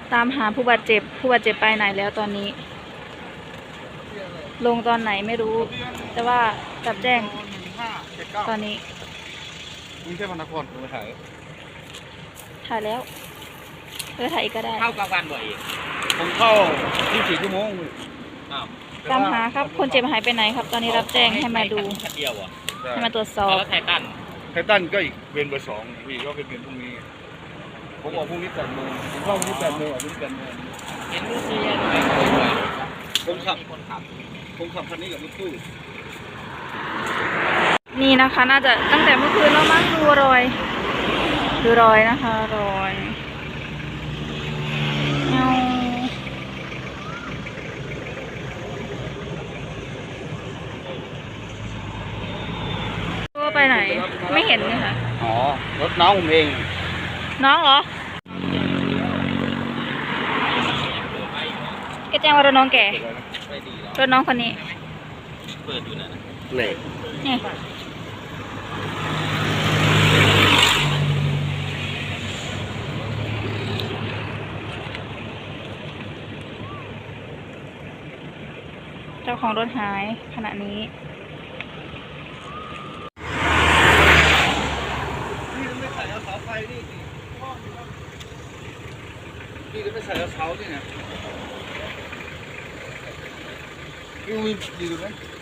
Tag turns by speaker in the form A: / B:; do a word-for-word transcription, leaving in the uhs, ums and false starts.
A: ตามหาผู้บาดเจ็บผู้บาดเจ็บไปไหนแล้วตอนนี้ ลงตอนไหนไม่รู้ แต่ว่าจับแจ้งตอนนี้
B: กรุงเทพมหานครผมมาถ่าย
A: ถ่ายแล้วเออถ่ายอีกก็ได้
C: เข้ากลางวันบ่อย
B: ผมเข้ายี่สิบสี่ชั่วโมง
A: ตามหาครับคนเจ็บหายไปไหนครับ ตอนนี้รับแจ้งให้มาดูให้มาตรวจสอบ
C: แล้วไททัน
B: ไททันก็อีกเวรเบอร์สองพี่ก็เป็นเวรพรุ่งนี้ผมออกพรุ่งนี้แปดโมงผมเข้าพรุ่งนี้แปดโมงออกพรุ่งนี้แปดโมง
C: เห็นรูปที่ยังไม่เคยด้วย
B: ผมขับคนขับผมขับคันนี้กับรถตู้
A: นี่นะคะน่าจะตั้งแต่เมื่อคืนแล้วมั้งดูรอยดูรอยนะคะรอยเอาตัวไปไหนไม่เห็นเลยค่ะ
B: อ๋อรถน้องผมเอง
A: น้องเหรอแกแจ้งว่ารถน้องแกรถน้องคนนี้
C: เปิดอยู่นะ
B: เหล็ก
A: นี่เจ้าของรถหายขณะนี้
B: นี่ไม่ใส่เสาไฟนี่นี่จะไม่ใส่เสานี่นะนี่มีดีดูไหม